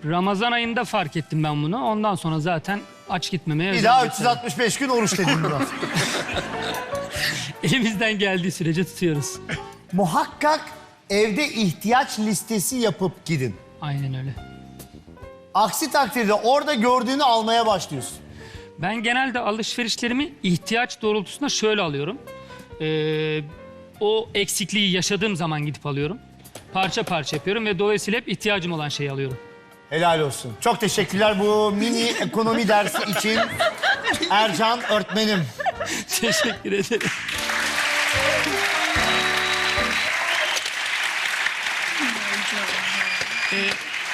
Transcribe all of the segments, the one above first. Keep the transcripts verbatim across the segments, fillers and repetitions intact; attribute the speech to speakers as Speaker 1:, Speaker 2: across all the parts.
Speaker 1: Ramazan ayında fark ettim ben bunu. Ondan sonra zaten aç gitmemeye...
Speaker 2: Bir daha üç yüz altmış beş gün oruç dedim biraz.
Speaker 1: Elimizden geldiği sürece tutuyoruz.
Speaker 2: Muhakkak evde ihtiyaç listesi yapıp gidin.
Speaker 1: Aynen öyle.
Speaker 2: Aksi takdirde orada gördüğünü almaya başlıyorsun.
Speaker 1: Ben genelde alışverişlerimi ihtiyaç doğrultusunda şöyle alıyorum. Ee, o eksikliği yaşadığım zaman gidip alıyorum. Parça parça yapıyorum ve dolayısıyla hep ihtiyacım olan şeyi alıyorum.
Speaker 2: Helal olsun. Çok teşekkürler bu mini ekonomi dersi için Ercan öğretmenim.
Speaker 1: Teşekkür ederim. ee,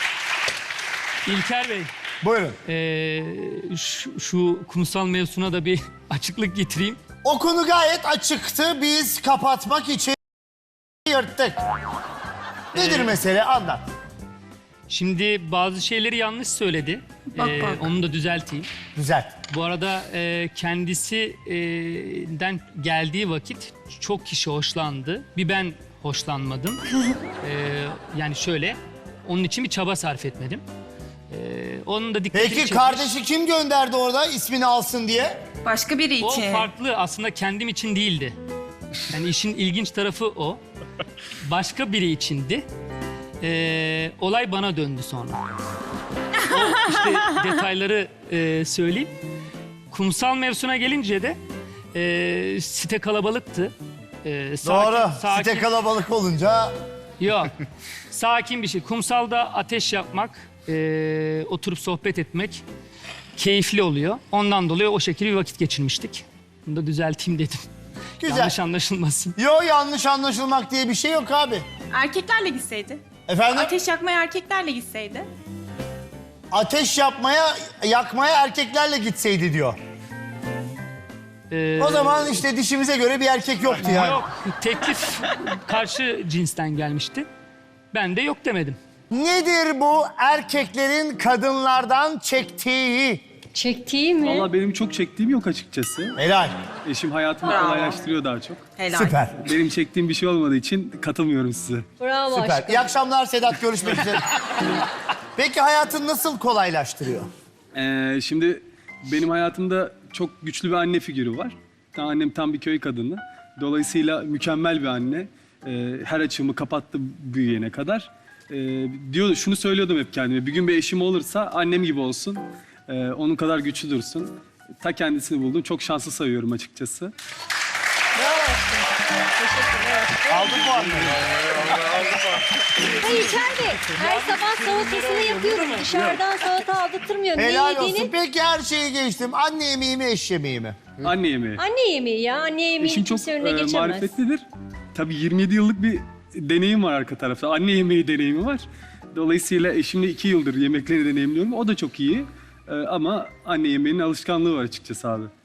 Speaker 1: İlker Bey,
Speaker 2: Buyurun.
Speaker 1: ee, şu, şu kumsal mevzusuna da bir açıklık getireyim.
Speaker 2: O konu gayet açıktı. Biz kapatmak için yırttık. Nedir
Speaker 1: Ee, mesele?
Speaker 2: Anlat.
Speaker 1: Şimdi bazı şeyleri yanlış söyledi.
Speaker 3: Bak,
Speaker 1: Ee,
Speaker 3: bak.
Speaker 1: Onu da düzelteyim.
Speaker 2: Güzel.
Speaker 1: Bu arada e, kendisinden geldiği vakit çok kişi hoşlandı. Bir ben hoşlanmadım. Ee, yani şöyle, onun için bir çaba sarf etmedim. Ee, onun da dikkatini
Speaker 2: Peki
Speaker 1: çekmiş.
Speaker 2: kardeşi kim gönderdi orada ismini alsın diye?
Speaker 3: Başka biri
Speaker 1: O
Speaker 3: için.
Speaker 1: farklı, aslında kendim için değildi. Yani işin ilginç tarafı o. Başka biri içindi. Ee, olay bana döndü sonra. O işte detayları e, söyleyeyim. Kumsal mevzusuna gelince de e, site kalabalıktı. E, sakin,
Speaker 2: Doğru.
Speaker 1: Sakin,
Speaker 2: Site kalabalık olunca
Speaker 1: Yok. Sakin bir şey. Kumsalda ateş yapmak, e, oturup sohbet etmek keyifli oluyor. Ondan dolayı o şekilde bir vakit geçirmiştik. Bunu da düzelteyim dedim.
Speaker 2: güzel.
Speaker 1: Yanlış anlaşılmasın.
Speaker 2: Yo yanlış anlaşılmak diye bir şey yok abi.
Speaker 3: Erkeklerle gitseydi.
Speaker 2: Efendim?
Speaker 3: Ateş yakmaya erkeklerle gitseydi.
Speaker 2: Ateş yapmaya, yakmaya erkeklerle gitseydi diyor.
Speaker 1: Ee,
Speaker 2: O zaman işte dişimize göre bir erkek yoktu yani.
Speaker 1: Yok, teklif karşı cinsten gelmişti. Ben de yok demedim.
Speaker 2: Nedir bu erkeklerin kadınlardan çektiği?
Speaker 4: Çektiği mi?
Speaker 5: Valla benim çok çektiğim yok açıkçası.
Speaker 2: Helal.
Speaker 5: Eşim hayatımı
Speaker 3: Bravo.
Speaker 5: kolaylaştırıyor daha çok.
Speaker 3: Helal.
Speaker 2: Süper.
Speaker 5: Benim çektiğim bir şey olmadığı için katılmıyorum size.
Speaker 4: Bravo
Speaker 2: Süper.
Speaker 4: aşkım.
Speaker 2: İyi akşamlar Sedat. Görüşmek üzere. Peki hayatın nasıl kolaylaştırıyor?
Speaker 5: Ee, şimdi benim hayatımda çok güçlü bir anne figürü var. Tam annem tam bir köy kadını. Dolayısıyla mükemmel bir anne. Ee, her açığımı kapattı büyüyene kadar. Ee, diyor, şunu söylüyordum hep kendime. Bir gün bir eşim olursa annem gibi olsun. Ee, onun kadar güçlü dursun. Ta kendisini buldum. Çok şanslı sayıyorum açıkçası.
Speaker 2: Aldık mı anne?
Speaker 4: Hayır içeride. Her sabah salatasını yapıyorum. Dışarıdan salata aldırtmıyorum. Ne
Speaker 2: Helal olsun.
Speaker 4: yediğini?
Speaker 2: Peki her şeyi geçtim. Anne yemeği mi, eş yemeği mi?
Speaker 5: Anne yemeği.
Speaker 4: Anne yemeği ya. Anne yemeği
Speaker 5: Eşim çok
Speaker 4: kimse önüne
Speaker 5: e,
Speaker 4: geçemez.
Speaker 5: marifetlidir. Tabii yirmi yedi yıllık bir deneyim var arka tarafta. Anne yemeği deneyimi var. Dolayısıyla eşimle iki yıldır yemekleri deneyimliyorum. O da çok iyi. E, ama anne yemeğinin alışkanlığı var açıkçası abi.